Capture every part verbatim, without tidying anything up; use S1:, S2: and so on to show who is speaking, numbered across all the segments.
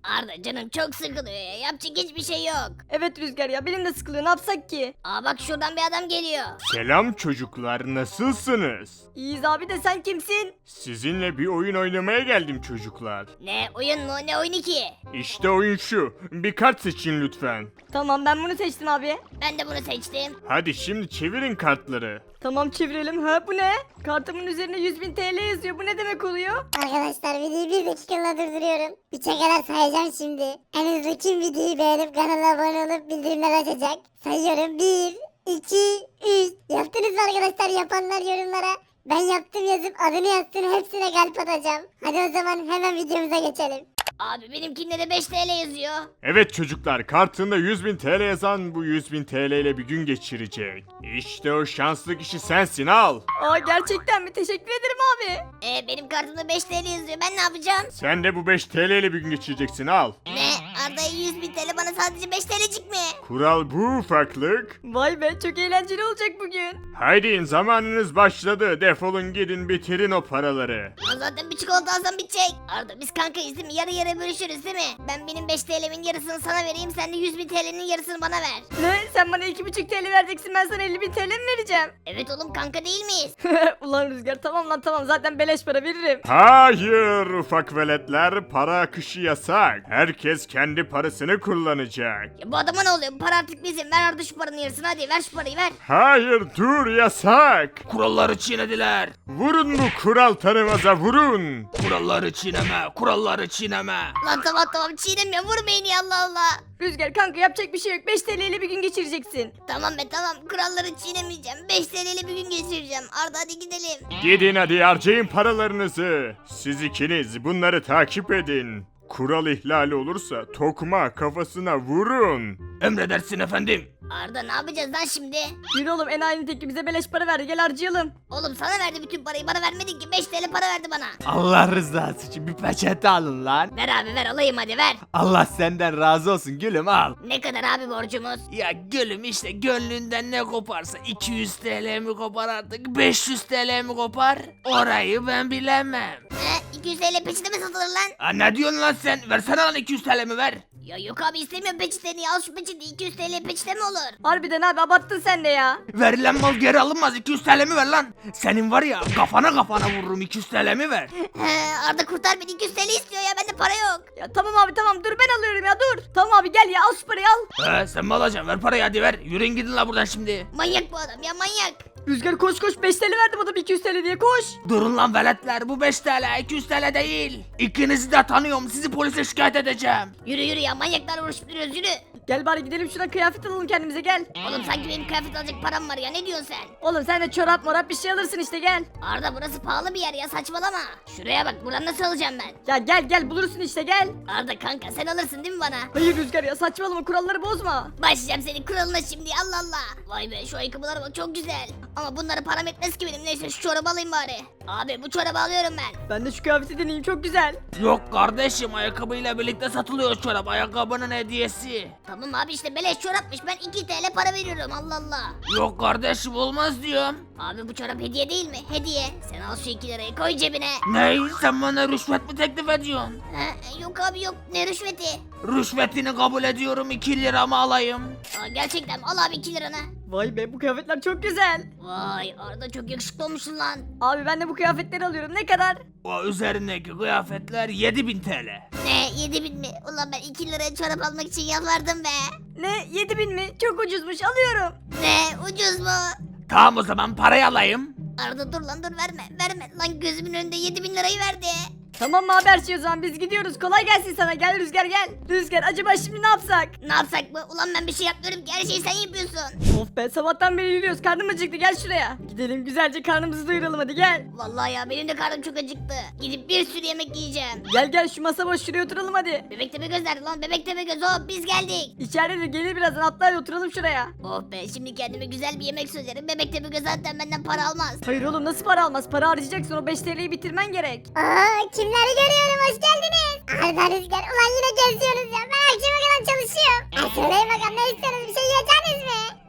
S1: Arda canım çok sıkılıyor ya. Yapacak hiçbir şey yok.
S2: Evet Rüzgar ya benim de sıkılıyor ne yapsak ki?
S1: Aa bak şuradan bir adam geliyor.
S3: Selam çocuklar, nasılsınız?
S2: İyiyiz abi de sen kimsin?
S3: Sizinle bir oyun oynamaya geldim çocuklar.
S1: Ne oyun mu ne oyunu ki?
S3: İşte oyun şu. Bir kart seçin lütfen.
S2: Tamam ben bunu seçtim abi.
S1: Ben de bunu seçtim.
S3: Hadi şimdi çevirin kartları.
S2: Tamam çevirelim. Ha bu ne? Kartımın üzerine yüz bin T L yazıyor. Bu ne demek oluyor?
S4: Arkadaşlar videoyu bir dakikalığına durduruyorum. Üçe kadar sayacağım şimdi. En hızlı kim videoyu beğenip kanala abone olup bildirimler açacak? Sayıyorum. bir, iki, üç. Yaptınız mı arkadaşlar? Yapanlar yorumlara ben yaptım yazıp adını yazsın, hepsine kalp atacağım. Hadi o zaman hemen videomuza geçelim.
S1: Abi benimkinde de beş T L yazıyor.
S3: Evet çocuklar, kartında yüz bin T L yazan bu yüz bin T L ile bir gün geçirecek. İşte o şanslı kişi sensin, al.
S2: Aa gerçekten mi? Teşekkür ederim abi.
S1: Ee, benim kartımda beş T L yazıyor. Ben ne yapacağım?
S3: Sen de bu beş T L ile bir gün geçireceksin, al.
S1: Ne? Arda'ya yüz bin T L bana sadece beş T L'cik mi?
S3: Kural bu ufaklık.
S2: Vay be çok eğlenceli olacak bugün.
S3: Haydi zamanınız başladı, defolun gidin bitirin o paraları.
S1: Aa, zaten bir çikolata alsam bitecek. Arda biz kankayız değil mi? Yarı yarı bölüşürüz değil mi? Ben benim beş T L'min yarısını sana vereyim. Sen de yüz bin T L'nin yarısını bana ver.
S2: Ne? Sen bana iki buçuk T L vereceksin ben sana elli bin T L mi vereceğim?
S1: Evet oğlum kanka değil miyiz?
S2: Ulan Rüzgar tamam lan tamam zaten beleş para veririm.
S3: Hayır ufak veletler, para akışı yasak. Herkes kendi parasını kullanacak.
S1: Ya bu adama ne oluyor? Bu para artık bizim. Ver Arda şu paranın yarısını hadi. Ver şu parayı ver.
S3: Hayır dur, yasak.
S5: Kuralları çiğnediler.
S3: Vurun bu kural tanımaza, vurun.
S5: Kuralları çiğneme, kuralları çiğneme.
S1: Lan tamam tamam çiğnemiyorum. Vurmayın ya Allah Allah.
S2: Rüzgar kanka yapacak bir şey yok. beş T L ile bir gün geçireceksin.
S1: Tamam be tamam. Kuralları çiğnemeyeceğim. beş T L ile bir gün geçireceğim. Arda hadi gidelim.
S3: Gidin hadi harcayın paralarınızı. Siz ikiniz bunları takip edin. Kural ihlali olursa tokma kafasına vurun.
S5: Emredersin efendim.
S1: Arda ne yapacağız lan şimdi?
S2: Yürü oğlum enayinin teki bize beleş para verdi gel harcayalım.
S1: Oğlum sana verdi bütün parayı. Bana vermedin ki. beş T L para verdi bana.
S6: Allah rızası için bir peçete alın lan.
S1: Ver abi ver alayım hadi ver.
S6: Allah senden razı olsun gülüm al.
S1: Ne kadar abi borcumuz?
S5: Ya gülüm işte gönlünden ne koparsa iki yüz T L mi kopar artık beş yüz T L mi kopar? Orayı ben bilemem.
S1: He iki yüz T L peçete mi satılır lan?
S5: Ha, ne diyorsun lan sen? Versene lan iki yüz T L mi ver?
S1: Ya yok abi istemiyorum peçeteni. Al şu peçete. iki yüz T L peçete mi olur?
S2: Harbiden abi abarttın sen de ya.
S5: Verilen mal geri alınmaz iki yüz T L mi ver lan? Senin var ya kafana kafana vururum iki yüz T L mi ver?
S1: He Arda kurtar beni. iki yüz T L istiyor ya. Bende para yok.
S2: Ya tamam abi tamam dur ben alıyorum ya dur. Tamam abi gel ya al şu parayı al.
S5: He sen mi alacaksın? Ver parayı hadi ver. Yürüyün gidin la buradan şimdi.
S1: Manyak bu adam ya manyak.
S2: Rüzgar koş koş beş T L verdim adam iki yüz T L diye koş.
S5: Durun lan veletler bu beş T L iki yüz T L değil. İkinizi de tanıyorum sizi polise şikayet edeceğim.
S1: Yürü yürü ya manyaklarla uğraşıp duruyoruz yürü.
S2: Gel bari gidelim şuradan kıyafet alalım kendimize gel.
S1: Oğlum sanki benim kıyafet alacak param var ya ne diyorsun sen?
S2: Oğlum sen de çorap morap bir şey alırsın işte gel.
S1: Arda burası pahalı bir yer ya saçmalama. Şuraya bak buradan nasıl alacağım ben?
S2: Ya gel gel bulursun işte gel.
S1: Arda kanka sen alırsın değil mi bana?
S2: Hayır Rüzgar ya saçmalama kuralları bozma.
S1: Başlayacağım senin kuralına şimdi Allah Allah. Vay be şu ayakkabılara bak çok güzel. Ama bunları param etmez ki benim neyse şu çorabı alayım bari. Abi bu çorabı alıyorum ben.
S2: Ben de şu kıyafeti deneyeyim çok güzel.
S5: Yok kardeşim ayakkabıyla birlikte satılıyor çorap ayakkabının hediyesi.
S1: Tamam abi işte beleş çorapmış ben iki T L para veriyorum Allah Allah.
S5: Yok kardeşim olmaz diyorum.
S1: Abi bu çorap hediye değil mi? Hediye. Sen al şu iki lirayı koy cebine.
S5: Ney sen bana rüşvet mi teklif ediyorsun?
S1: Ha, yok abi yok ne rüşveti?
S5: Rüşvetini kabul ediyorum iki liramı alayım.
S1: Aa, gerçekten mi? Al abi iki liranı.
S2: Vay be bu kıyafetler çok güzel.
S1: Vay Arda çok yakışıklı olmuşsun lan.
S2: Abi ben de bu kıyafetleri alıyorum ne kadar?
S5: O üzerindeki kıyafetler yedi bin T L.
S1: Ne yedi bin mi? Ulan ben iki liraya çorap almak için yalvardım be.
S2: Ne yedi bin mi? Çok ucuzmuş alıyorum.
S1: Ne ucuz mu?
S5: Tamam o zaman parayı alayım.
S1: Arda dur lan dur verme verme. Lan gözümün önünde yedi bin lirayı verdi.
S2: Tamam mı haber şey o zaman biz gidiyoruz kolay gelsin sana gel Rüzgar gel. Rüzgar acaba şimdi ne yapsak?
S1: Ne yapsak mı? Ulan ben bir şey yapmıyorum ki her şeyi sen yapıyorsun.
S2: Of be sabahtan beri yürüyoruz karnım acıktı gel şuraya. Gidelim güzelce karnımızı doyuralım hadi gel.
S1: Vallahi ya benim de karnım çok acıktı. Gidip bir sürü yemek yiyeceğim.
S2: Gel gel şu masa boş şuraya oturalım hadi.
S1: Bebek tepe göz nerede lan? Bebek tepe göz hop biz geldik.
S2: İçeride de gelir birazdan atla hadi oturalım şuraya.
S1: Oh be şimdi kendime güzel bir yemek söylerim. Bebek tepe göz zaten benden para almaz.
S2: Hayır oğlum nasıl para almaz para harcayacaksın o beş T L'yi bitirmen gerek.
S4: Aa, kimleri görüyorum, hoş geldiniz. Arda, Rüzgar, ulan yine geziyoruz ya. Ben akşama kadar çalışıyorum. Ha, söyleyin bakalım ne istiyorsunuz, bir şey yiyeceksiniz mi?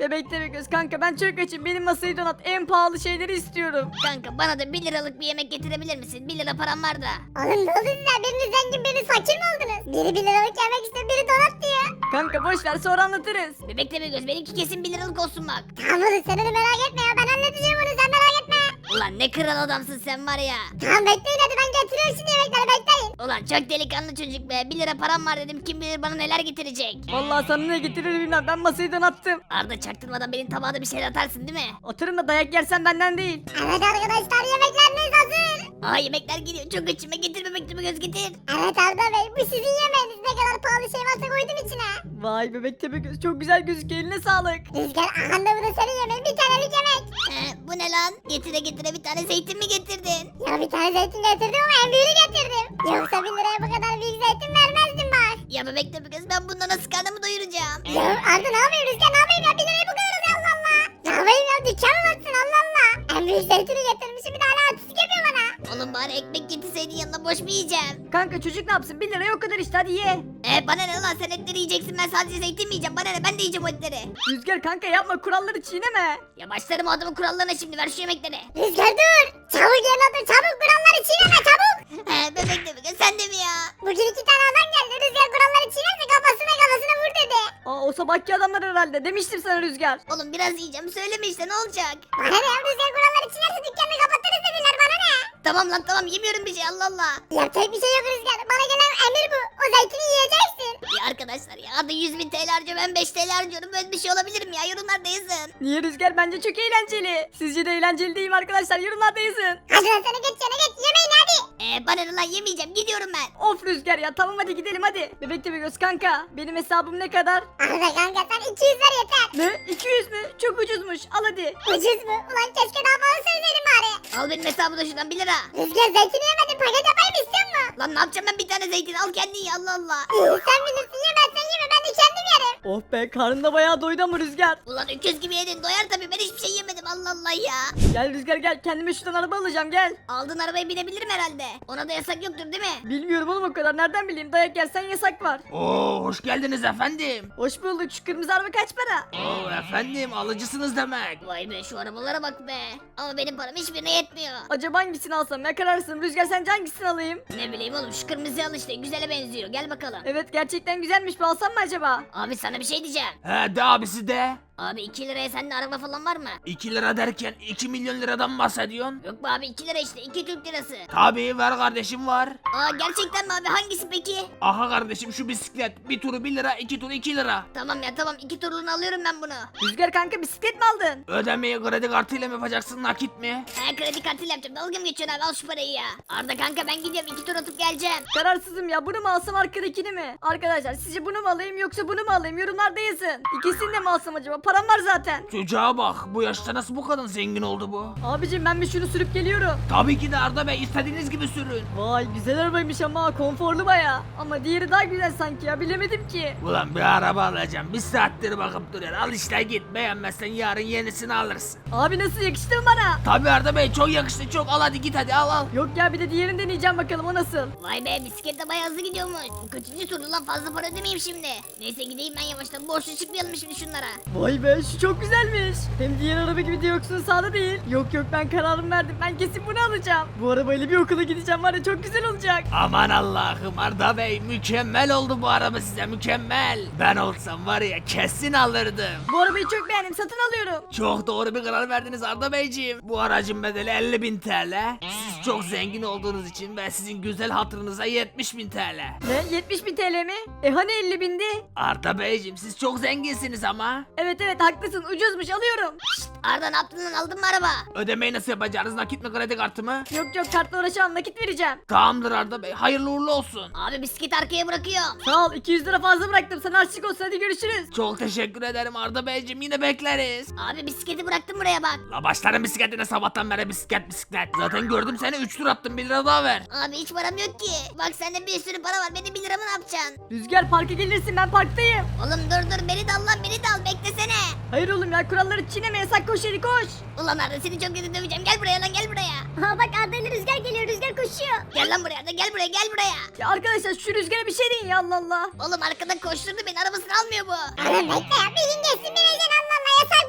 S2: Bebek Tepegöz kanka ben çok açım. Benim masayı donat. En pahalı şeyleri istiyorum.
S1: Kanka bana da bir liralık bir yemek getirebilir misin? bir lira param var da.
S4: Oğlum ne oldu size? Biriniz zengin biriniz fakir mi oldunuz? Biri bir liralık yemek istiyor biri donat diyor.
S2: Kanka boş ver sonra anlatırız.
S1: Bebek Tepegöz benimki kesin bir liralık olsun bak.
S4: Tamam oğlum sen onu merak etme ya ben halledeceğim onu sen merak etme.
S1: Ulan ne kral adamsın sen var ya.
S4: Tamam bekleyin hadi ben getiriyorum şimdi yemekleri bekleyin.
S1: Ulan çok delikanlı çocuk be. bir lira param var dedim, kim bilir bana neler getirecek.
S2: Vallahi sana ne getirir bilmem. Ben masayı donattım.
S1: Arda çaktırmadan benim tabağda bir şey atarsın değil mi?
S2: Oturun da dayak yersen benden değil.
S4: Evet arkadaşlar yemekleriniz hazır.
S1: Aa yemekler geliyor, çok açıma getir Bebek Tepegöz getir.
S4: Evet Arda Bey bu sizin yemeğiniz ne kadar pahalı şey varsa koydum içine.
S2: Vay Bebek Tepegöz çok güzel gözüküyor. Eline sağlık.
S4: Rüzgar ahanda bu da senin yemeğin bir tanelik yemek.
S1: Ee, bu ne lan? Getire getire bir tane zeytin mi getirdin?
S4: Ya bir tane zeytin getirdim ama en büyüğünü getirdim. Yoksa bin liraya bu kadar büyük zeytin vermezdim bak.
S1: Ya Bebek Tepegöz ben bundan nasıl karnımı doyuracağım?
S4: Ya Arda ne yapayım Rüzgar ne yapayım ya bir liraya bu kadar oluyor Allah Allah. Ne yapayım ya dükkan mı batsın Allah Allah. En büyük zeytini getirmişim bir de hala artistik yapıyor bana.
S1: Oğlum bari ekmek getirseydin yanına, boş mu yiyeceğim?
S2: Kanka çocuk ne yapsın? bir liraya o kadar işte hadi ye.
S1: Ee bana ne lan, sen etleri yiyeceksin, ben sadece zeytin mi yiyeceğim? Bana ne, ben de yiyeceğim o etleri.
S2: Rüzgar kanka yapma kuralları çiğneme.
S1: Ya başlarım o adamın kurallarına şimdi, ver şu yemekleri.
S4: Rüzgar dur. Çabuk yerine otur çabuk kuralları çiğneme çabuk.
S1: He Bebek Tepegöz sen de mi ya?
S4: Bugün iki tane adam geldi Rüzgar kuralları çiğnerse kafasına kafasına vur dedi.
S2: Aa o sabahki adamlar herhalde. Demiştim sana Rüzgar.
S1: Oğlum biraz yiyeceğim, söyleme işte, ne olacak?
S4: Bana ne ya Rüzgar kuralları çiğnerse dükkanını kapatırız dediler bana ne?
S1: Tamam lan tamam, yemiyorum bir şey, Allah Allah.
S4: Yapacak bir şey yok Rüzgar. Bana gelen emir bu. O zeytini yiyeceksin.
S1: Ya arkadaşlar ya, hadi yüz bin T L harcıyor, ben beş T L harcıyorum, böyle bir şey olabilir mi ya? Yorumlarda yazın.
S2: Niye Rüzgar? Bence çok eğlenceli. Sizce de eğlenceli değil mi arkadaşlar? Yorumlarda yazın.
S4: Hadi lan sana geç yana geç yemeğini hadi.
S1: Ee bana ne lan, yemeyeceğim, gidiyorum ben.
S2: Of Rüzgar ya tamam hadi gidelim hadi. Bebek Tepegöz kanka. Benim hesabım ne kadar?
S4: Arda kanka sen iki yüz ver yeter.
S2: Ne? iki yüz mü? Çok ucuzmuş. Al hadi.
S4: Ucuz mu? Ulan keşke daha fazla söyleseydin bari.
S1: Al benim hesabı da şuradan bir lira.
S4: Rüzgar zeytini yemedin paket yapayım istiyor musun?
S1: Lan ne yapacağım ben bir tane zeytin, al kendin ye, Allah Allah.
S4: İyi sen bilirsin yemezsen yeme ben de kendim yerim.
S2: Oh be karnın da bayağı doydu ama Rüzgar.
S1: Ulan öküz gibi yedin, doyar tabii, ben hiçbir şey yemedim, Allah Allah ya.
S2: Gel Rüzgar gel. Kendime şuradan araba alacağım gel.
S1: Aldığın arabaya binebilirim herhalde. Ona da yasak yoktur değil mi?
S2: Bilmiyorum oğlum o kadar. Nereden bileyim? Dayak yersen yasak var.
S5: Oo hoş geldiniz efendim.
S2: Hoş bulduk. Şu kırmızı araba kaç para?
S5: Oo efendim alıcısınız demek.
S1: Vay be, şu arabalara bak be. Ama benim param hiçbirine yetmiyor.
S2: Acaba hangisini alsam? Ne kararsın? Rüzgar sence hangisini alayım?
S1: Ne bileyim oğlum, şu kırmızı al işte, güzele benziyor, gel bakalım.
S2: Evet gerçekten güzelmiş. Bir alsam mı acaba?
S1: Abi sana bir şey diyeceğim.
S5: He de abisi de.
S1: Abi iki liraya sende araba falan var mı?
S5: iki lira derken iki milyon liradan mı bahsediyorsun?
S1: Yok be abi, iki lira işte, iki Türk lirası.
S5: Tabii ver kardeşim var.
S1: Aa gerçekten mi abi, hangisi peki?
S5: Aha kardeşim şu bisiklet. Bir turu bir lira, iki turu iki lira.
S1: Tamam ya tamam, iki turluğunu alıyorum ben bunu.
S2: Rüzgar kanka bisiklet mi aldın?
S5: Ödemeyi kredi kartıyla mı yapacaksın nakit mi?
S1: He kredi kartıyla yapacağım, dalga mı geçiyorsun abi, al şu parayı ya. Arda kanka ben gidiyorum, iki tur atıp geleceğim.
S2: Kararsızım ya. Bunu mu alsam arkadakini mi? Arkadaşlar sizce bunu mu alayım yoksa bunu mu alayım? Yorumlarda yazın. İkisini de mi alsam acaba? Param var zaten.
S5: Çocuğa bak bu yaşta nasıl bu kadın zengin oldu bu?
S2: Abicim ben bir şunu sürüp geliyorum.
S5: Tabii ki de Arda Bey istediğiniz gibi sürün.
S2: Vay güzel arabaymış ama konforlu baya. Ama diğeri daha güzel sanki ya bilemedim ki.
S5: Ulan bir araba alacağım bir saattir bakıp duruyor. Al işte git, beğenmezsen yarın yenisini alırsın.
S2: Abi nasıl yakıştı mı bana?
S5: Tabii Arda Bey çok yakıştı çok, al hadi git hadi al al.
S2: Yok ya bir de diğerini deneyeceğim bakalım o nasıl?
S1: Vay be, bisiklet de bayağı hızlı gidiyormuş. Bu kaçıncı turdu lan, fazla para ödemeyeyim şimdi. Neyse gideyim ben yavaştan, borçlu çıkmayalım şimdi şunlara.
S2: Vay be şu çok güzelmiş. Hem diğer araba gibi direksiyonu sağda değil. Yok yok ben kararımı verdim. Ben kesin bunu alacağım. Bu arabayla bir okula gideceğim var ya çok güzel olacak.
S5: Aman Allah'ım Arda Bey mükemmel oldu bu araba size, mükemmel. Ben olsam var ya kesin alırdım.
S2: Bu arabayı çok beğendim satın alıyorum.
S5: Çok doğru bir karar verdiniz Arda Beyciğim. Bu aracın bedeli elli bin T L. Siz çok zengin olduğunuz için ve sizin güzel hatırınıza yetmiş bin T L.
S2: Ne yetmiş bin T L mi? E hani elli bindi?
S5: Arda Beyciğim siz çok zenginsiniz ama.
S2: Evet evet haklısın ucuzmuş alıyorum.
S1: Arda ne yaptın lan, aldın mı araba?
S5: Ödemeyi nasıl yapacağınız, nakit mi kredi kartı mı?
S2: Yok yok kartla uğraşamam nakit vereceğim.
S5: Tamamdır Arda Bey, hayırlı uğurlu olsun.
S1: Abi bisikleti arkaya bırakıyorum.
S2: Sağ ol iki yüz lira fazla bıraktım sana harçlık olsun hadi görüşürüz.
S5: Çok teşekkür ederim Arda Beyciğim, yine bekleriz.
S1: Abi bisikleti bıraktım buraya bak.
S5: La başlarım bisikletine sabahtan beri bisiklet bisiklet. Zaten gördüm seni üç tur attım, bir lira daha ver.
S1: Abi hiç param yok ki. Bak sende bir sürü para var, beni bir lira mı ne yapacaksın?
S2: Rüzgar parka gelirsin ben parktayım.
S1: Oğlum dur dur, beni de al lan, beni de al, beklesene.
S2: Hayır oğlum ya kuralları çiğneme yasak koş hadi koş.
S1: Ulan Arda seni çok kötü döveceğim, gel buraya lan, gel buraya.
S4: Ha bak Arda ile Rüzgar geliyor Rüzgar koşuyor.
S1: Gel lan buraya Arda, gel buraya, gel buraya.
S2: Ya arkadaşlar şu Rüzgar'a bir şey deyin ya Allah Allah.
S1: Oğlum arkadan koşturdu beni, arabasını almıyor bu.
S4: Oğlum bekle ya bir gün geçsin bineceksin Allah Allah yasak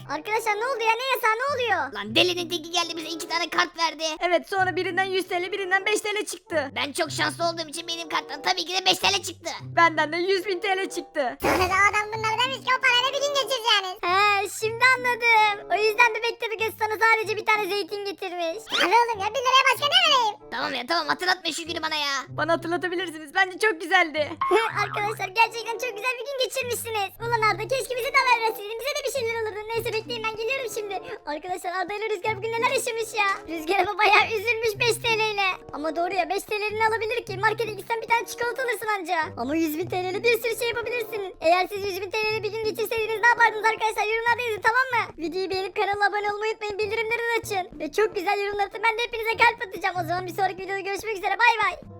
S4: Arkadaşlar ne oldu ya, ne yasağı, ne oluyor?
S1: Lan delinin teki geldi bize iki tane kart verdi.
S2: Evet, sonra birinden yüz TL, birinden beş TL çıktı.
S1: Ben çok şanslı olduğum için benim karttan tabii ki de beş TL çıktı.
S2: Benden de yüz bin TL çıktı.
S4: Sonra da adam bunlara demiş ki o parayla bir gün geçireceğiniz. He şimdi anladım. O yüzden bebek tabi göz sana sadece bir tane zeytin getirmiş. Abi oğlum ya, bir liraya başka ne vereyim?
S1: Tamam ya tamam hatırlatma şu günü bana ya.
S2: Bana hatırlatabilirsiniz. Bence çok güzeldi.
S4: Arkadaşlar gerçekten çok güzel bir gün geçirmişsiniz. Ulan Arda, keşke bize de haber verseydin. Bize de bir şeyler olurdu. Neyse bekleyin, ben geliyorum şimdi. Arkadaşlar Arda ile Rüzgar bugün neler yaşamış ya. Rüzgar ama bayağı üzülmüş beş TL ile. Ama doğru ya, beş TL'ni alabilir ki. Markete gitsen bir tane çikolata alırsın anca. Ama yüz bin TL ile bir sürü şey yapabilirsin. Eğer siz yüz bin TL ile bir gün geçirseydiniz ne yapardınız arkadaşlar? Yorumlarda yazın, tamam mı? Videoyu beğenip kanala abone olmayı unutmayın. Bildirimleri de açın. Ve çok güzel yorumlar atın. Ben de hepinize kalp atacağım. O zaman bir sonraki videoda görüşmek üzere. Bay bay.